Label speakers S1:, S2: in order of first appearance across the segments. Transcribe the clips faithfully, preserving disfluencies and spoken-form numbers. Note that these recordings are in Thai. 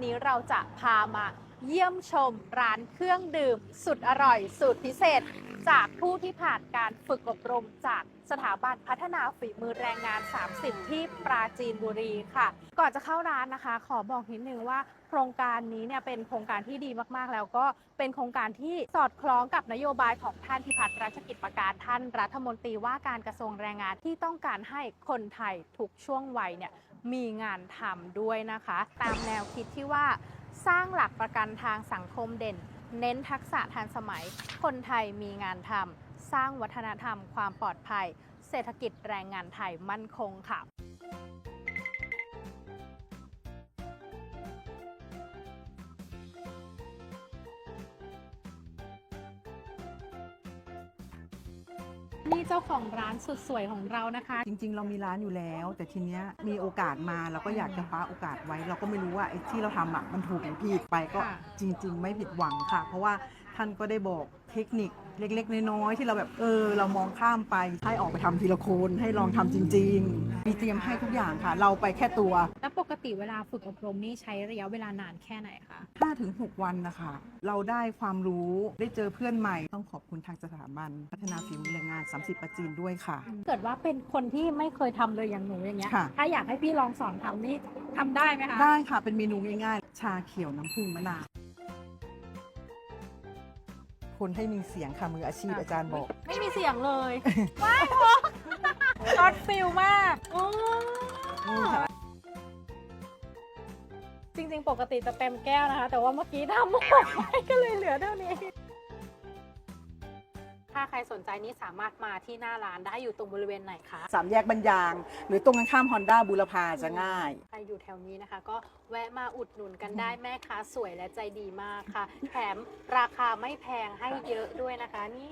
S1: นี้เราจะพามาเยี่ยมชมร้านเครื่องดื่มสุดอร่อยสูตรพิเศษ จากผู้ที่ผ่านการฝึกอบรมจากสถาบันพัฒนาฝีมือแรงงาน สามสิบ ที่ปราจีนบุรีค่ะ ก่อนจะเข้าร้านนะคะ ขอบอกนิดนึงว่าโครงการนี้เนี่ยเป็นโครงการที่ดีมากๆแล้วก็เป็นโครงการที่สอดคล้องกับนโยบายของท่านพิพัฒน์รัชกิจประการท่านรัฐมนตรีว่าการกระทรวงแรงงานที่ต้องการให้คนไทยทุกช่วงวัยเนี่ยมีงานทำด้วยนะคะ ตามแนวคิดที่ว่าสร้างหลักประกันทางสังคมเด่น เน้นทักษะทันสมัยคนไทยมีงานทำสร้างวัฒนธรรมความปลอดภัยเศรษฐกิจแรงงานไทยมั่นคงค่ะนี่เจ้าของร้านสุดสวยของเรานะคะ
S2: จริงๆเรามีร้านอยู่แล้ว แต่ทีเนี้ยมีโอกาสมาเราก็อยากจะคว้าโอกาสไว้ เราก็ไม่รู้ว่าไอ้ที่เราทำอ่ะมันถูกหรือผิดไปก็จริงๆไม่ผิดหวังค่ะ เพราะว่าท่านก็ได้บอกเทคนิคเล็กๆน้อยๆที่เราแบบเออเรามองข้ามไปให้ออกไปทำทีละคนให้ลองทำจริงๆมีเตรียมให้ทุกอย่างค่ะ เราไปแค่ตัว
S1: แล้วปกติเวลาฝึกอบรมนี่ใช้ระยะเวลานานแค่ไหนคะ
S2: ห้าถึงหก วันนะคะเราได้ความรู้ได้เจอเพื่อนใหม่ต้องขอบคุณทางสถาบันพัฒนาฝีมือแรงงาน สามสิบ ประจีนด้วยค่ะ
S1: เกิดว่าเป็นคนที่ไม่เคยทำเลยอย่างหนูอย่างเงี้ย
S2: ค่ะ
S1: ถ้าอยากให้พี่ลองสอนทำนี่ทำได้ไหมคะ
S2: ได้ค่ะเป็นเมนูง่ายๆ ชาเขียวน้ำผึ้งมะนาวคนให้มีเสียงค่ะมืออาชีพอาจารย์บอก
S1: ไม่มีเสียงเลย ว้าวช็อตฟิลมากอ๋อ
S2: นี่ค่ะ
S1: จริงๆ ปกติจะเต็มแก้วนะคะ แต่ว่าเมื่อกี้ทำหมดไปก็เลยเหลือเท่านี้ ถ้าใครสนใจนี่สามารถมาที่หน้าร้านได้อยู่ตรงบริเวณไหนคะ
S2: สามแยกบรรยาง หรือตรงกันข้ามฮอนด้าบูรพาจะง่าย
S1: ใครอยู่แถวนี้นะคะ ก็แวะมาอุดหนุนกันได้แม่ค้าสวยและใจดีมากค่ะ แถมราคาไม่แพงให้เยอะด้วยนะคะนี่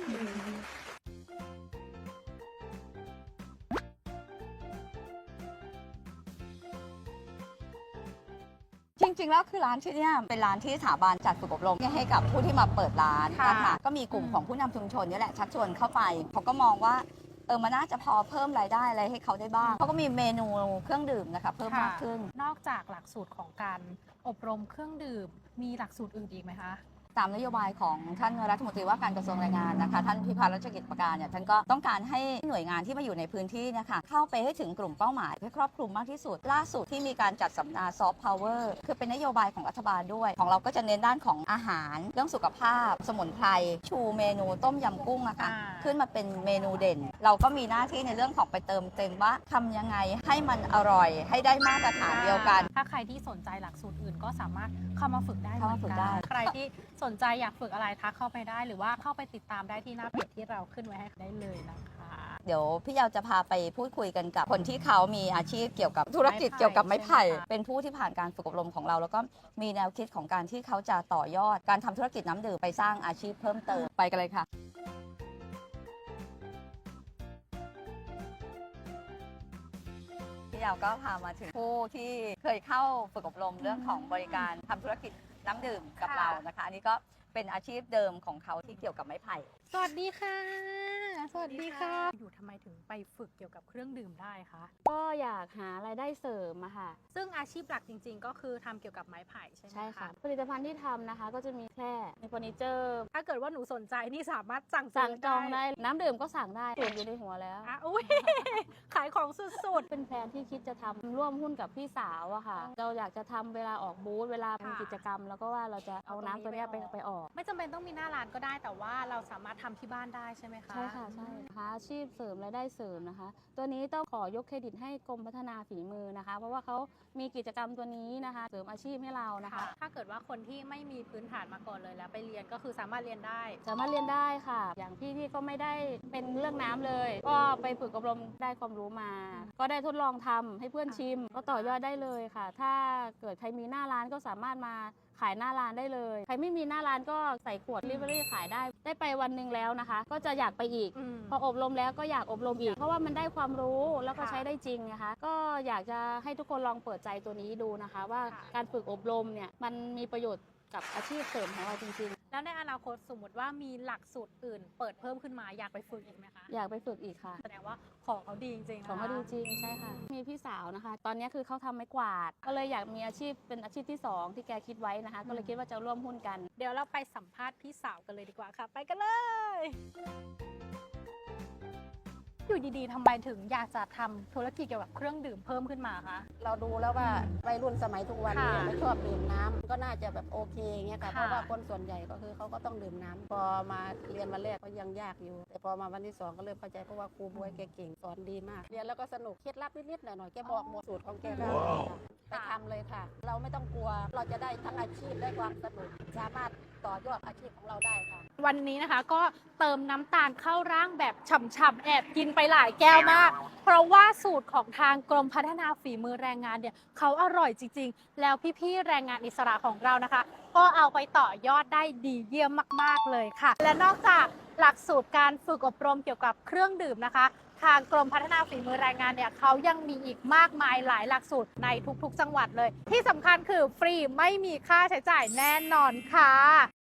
S3: จริงๆ แล้วคือร้านที่เนี่ยเป็นร้านที่สถาบันจัดฝึกอบรมให้กับผู้ที่มาเปิดร้านนะคะก็มีกลุ่มของผู้นำชุมชนนี่แหละชักชวนเข้าไปเขาก็มองว่าเออมันน่าจะพอเพิ่มรายได้อะไรให้เขาได้บ้างเขาก็มีเมนูเครื่องดื่มนะคะเพิ่มมากขึ้น
S1: นอกจากหลักสูตรของการอบรมเครื่องดื่มมีหลักสูตรอื่นอีกไหมคะ
S3: ตามนโยบายของท่านรัฐมนตรีว่าการกระทรวงแรงงานนะคะท่านพิพัฒน์รัชกิจประการเนี่ยท่านก็ต้องการให้หน่วยงานที่มาอยู่ในพื้นที่เนี่ยค่ะเข้าไปให้ถึงกลุ่มเป้าหมายให้ครอบคลุมมากที่สุดล่าสุดที่มีการจัดสัมมนาซอฟต์พาวเวอร์คือเป็นนโยบายของรัฐบาลด้วยของเราก็จะเน้นด้านของอาหารเรื่องสุขภาพ สมุนไพรชูเมนูต้มยำกุ้งนะคะขึ้นมาเป็นเมนูเด่น เราก็มีหน้าที่ในเรื่องของไปเติมเต็มว่าทำยังไงให้มันอร่อยให้ได้มาตรฐานเดียวกัน
S1: ถ้าใครที่สนใจหลักสูตรอื่นก็สามารถเข้ามาฝึกได้เหมือน
S3: เข้ามาฝึ
S1: กั
S3: กได้
S1: นใครที่สนใจอยากฝึกอะไรทักเข้าไปได้หรือว่าเข้าไปติดตามได้ที่หน้าเพจที่เราขึ้นไว้ให้ได้เลยนะคะ
S3: เดี๋ยวพี่เยาวจะพาไปพูดคุยกันกับคนที่เขามีอาชีพเกี่ยวกับธุรกิจเกี่ยวกับไม้ไผ่เป็นผู้ที่ผ่านการฝึกอบรมของเรา แล้วก็มีแนวคิดของการที่เขาจะต่อยอดการทำธุรกิจน้ำดื่มไปสร้างอาชีพเพิ่มเติมไปกันเลยค่ะพี่เยาวก็พามาถึงผู้ที่เคยเข้าฝึกอบรมเรื่องของบริการทำธุรกิจน้ำดื่มกับเรานะคะอันนี้ก็เป็นอาชีพเดิมของเขาที่เกี่ยวกับไม้ไผ่
S1: สวัสดีค่ะ สวัสดีค่ะ อยู่ทำไมถึงไปฝึกเกี่ยวกับเครื่องดื่มได้คะ
S4: ก็อยากหารายได้เสริมอะค่ะ
S1: ซึ่งอาชีพหลักจริง ๆ ก็คือทำเกี่ยวกับไม้ไผ่ใช่ไหม
S4: ใช่ค่ะ
S1: คะ
S4: ผลิตภัณฑ์ที่ทำนะคะ ก็จะมีแคร่มีเฟอร์นิเจอร์
S1: ถ้าเกิดว่าหนูสนใจนี่สามารถสั่ง
S4: สั่ง
S1: ซื้
S4: จองได้ น้ำดื่มก็สั่งได้สูตรอยู่ในหัวแล้ว
S1: อ่ะอุ้ย ขายของสุด
S4: เป็นแฟนที่คิดจะทำร่วมหุ้นกับพี่สาวอะค่ะ เราอยากจะทำเวลาออกบูธเวลามีกิจกรรม แล้วก็ว่าเราจะเอาน้ำตัวเนี้ยไปไปออก
S1: ๆ ไม่จำเป็นต้องมีหน้าร้านก็ได้ แต่ว่าเราสามารถทำที่บ้านได้ใช่ไหมคะ
S4: ใช่ค่ะใช่หาอาชีพเสริมรายได้เสริมนะคะ ตัวนี้ต้องขอยกเครดิตให้กรมพัฒนาฝีมือนะคะ เพราะว่าเขามีกิจกรรมตัวนี้นะคะ เสริมอาชีพให้เรานะคะ
S1: ถ้าเกิดว่าคนที่ไม่มีพื้นฐานมาก่อนเลยแล้วไปเรียนก็คือสามารถเรียนได้
S4: สามารถเรียนได้ค่ะ อย่างพี่ที่ก็ไม่ได้เป็นเรื่องน้ำเลย ก็ไปฝึกอบรมได้ความรู้มา ก็ได้ทดลองทำให้เพื่อนชิม ก็ต่อยอดได้เลยค่ะ ถ้าเกิดใครมีหน้าร้านก็สามารถมาขายหน้าร้านได้เลย ใครไม่มีหน้าร้านก็ใส่ขวดลิเวอรี่ขายได้ ได้ไปวันหนึ่งแล้วนะคะ ก็จะอยากไปอีก
S1: อืม
S4: พออบรมแล้วก็อยากอบรมอีก เพราะว่ามันได้ความรู้แล้วก็
S1: ค่ะ
S4: ใช้ได้จริงนะคะ ก็อยากจะให้ทุกคนลองเปิดใจตัวนี้ดูนะคะ ว่า
S1: ค่ะ
S4: การฝึกอบรมเนี่ยมันมีประโยชน์กับอาชีพเสริมของเราจริงๆ
S1: แล้วในอนาคตสมมติว่ามีหลักสูตรอื่น เปิดเพิ่มขึ้นมาอยากไปฝึกอีกไหมคะ
S4: อยากไปฝึกอีกค่ะ
S1: แสดงว่าของเขาดีจริงๆนะคะ
S4: ของเขาดีจริงใช่ค่ะ มีพี่สาวนะคะ ตอนนี้คือเขาทำไม้กวาด ก็เลยอยากมีอาชีพเป็นอาชีพที่สองที่แกคิดไว้นะคะ ก็เลยคิดว่าจะร่วมหุ้นกัน
S1: เดี๋ยวเราไปสัมภาษณ์พี่สาวกันเลยดีกว่าค่ะ ไปกันเลย อยู่ดีๆทำไมถึงอยากจะทำธุรกิจเกี่ยวกับเครื่องดื่มเพิ่มขึ้นมาคะ
S5: เราดูแล้วว่าวัยรุ่นสมัยทุกวันนี้
S1: ค่ะ
S5: ไม่ชอบดื่มน้ำก็น่าจะแบบโอเคเงี้ยค่ะ
S1: ค่ะ
S5: เพราะว่าคนส่วนใหญ่ก็คือเขาก็ต้องดื่มน้ำพอมาเรียนวันแรกก็ยังยากอยู่ แต่พอมาวันที่สองก็เริ่มเข้าใจเพราะว่าครูบวยแกเก่งสอนดีมาก เรียนแล้วก็สนุกเคล็ดลับนิดๆหน่อยๆแกบอกหมดสูตรของแกได้เลยค่ะไปทำเลยค่ะ เราไม่ต้องกลัวเราจะได้ทั้งอาชีพได้ความสนุกสามารถต่อยอดอาชีพของเราได้ค่ะ
S1: วันนี้นะคะก็เติมน้ำตาลเข้าร่างแบบฉ่ำๆแอบกินไปหลายแก้วมาก เพราะว่าสูตรของทางกรมพัฒนาฝีมือแรงงานเนี่ยเขาอร่อยจริงๆ แล้วพี่ๆแรงงานอิสระของเรานะคะ ก็เอาไปต่อยอดได้ดีเยี่ยมมากๆเลยค่ะ และนอกจากหลักสูตรการฝึกอบรมเกี่ยวกับเครื่องดื่มนะคะ ทางกรมพัฒนาฝีมือแรงงานเนี่ยเขายังมีอีกมากมายหลายหลักสูตรในทุกๆ จังหวัดเลย ที่สำคัญคือฟรีไม่มีค่าใช้จ่ายแน่นอนค่ะ